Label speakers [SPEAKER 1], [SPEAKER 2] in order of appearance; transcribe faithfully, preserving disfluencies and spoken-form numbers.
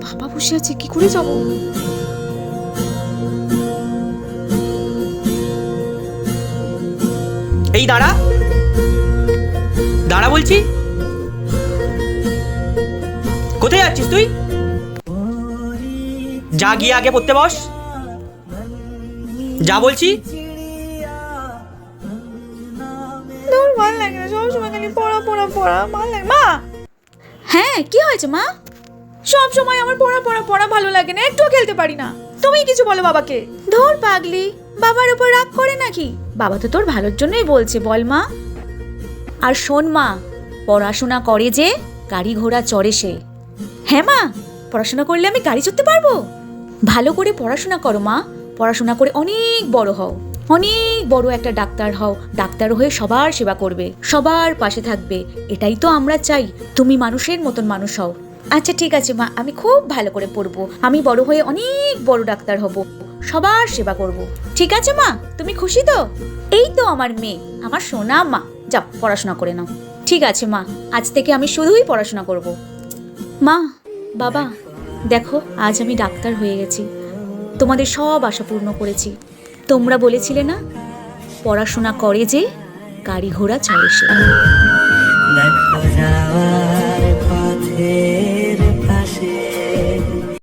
[SPEAKER 1] বাবা বসে আছে, কি করে যাব?
[SPEAKER 2] এই দাঁড়া দাঁড়া বলছি, কোথায় যাচ্ছিস তুই? যা গিয়ে আগে পড়তে বস, যা বলছি।
[SPEAKER 1] তোর ভালো লাগে না, সবসময় খালি পড়া পড়া পড়া, ভালো লাগে। মা! হ্যাঁ, কি হয়েছে মা? সব সময় আমার পড়া পড়া পড়া ভালো লাগে না, একটুও খেলতে পারি না। তুমি কিছু বলো বাবাকে। ধর পাগলি, বাবার উপর রাগ করে নাকি? বাবা তো তোর ভালোর জন্যই বলছে, বল মা। আর শোন মা, পড়াশোনা করে যে গাড়ি ঘোড়া চড়ে সে। হ্যাঁ মা, পড়াশোনা করলে আমি গাড়ি চড়তে পারবো। ভালো করে পড়াশোনা করো মা, পড়াশোনা করে অনেক বড় হও, অনেক বড় একটা ডাক্তার হও। ডাক্তার হয়ে সবার সেবা করবে, সবার পাশে থাকবে, এটাই তো আমরা চাই। তুমি মানুষের মতন মানুষ হও। আচ্ছা ঠিক আছে মা, আমি খুব ভালো করে পড়বো, আমি বড় হয়ে অনেক বড় ডাক্তার হব, সবার সেবা করব। ঠিক আছে মা, তুমি খুশি তো? এই তো আমার মেয়ে, আমার সোনা মা। যাও পড়াশোনা করে নাও। ঠিক আছে মা, আজ থেকে আমি শুধুই পড়াশোনা করব। মা, বাবা, দেখো আজ আমি ডাক্তার হয়ে গেছি, তোমাদের সব আশা পূর্ণ করেছি। তোমরা বলেছিলে না, পড়াশোনা করে যে গাড়ি ঘোড়া চড়ে সে।
[SPEAKER 3] দেখো যাওয়ার পথে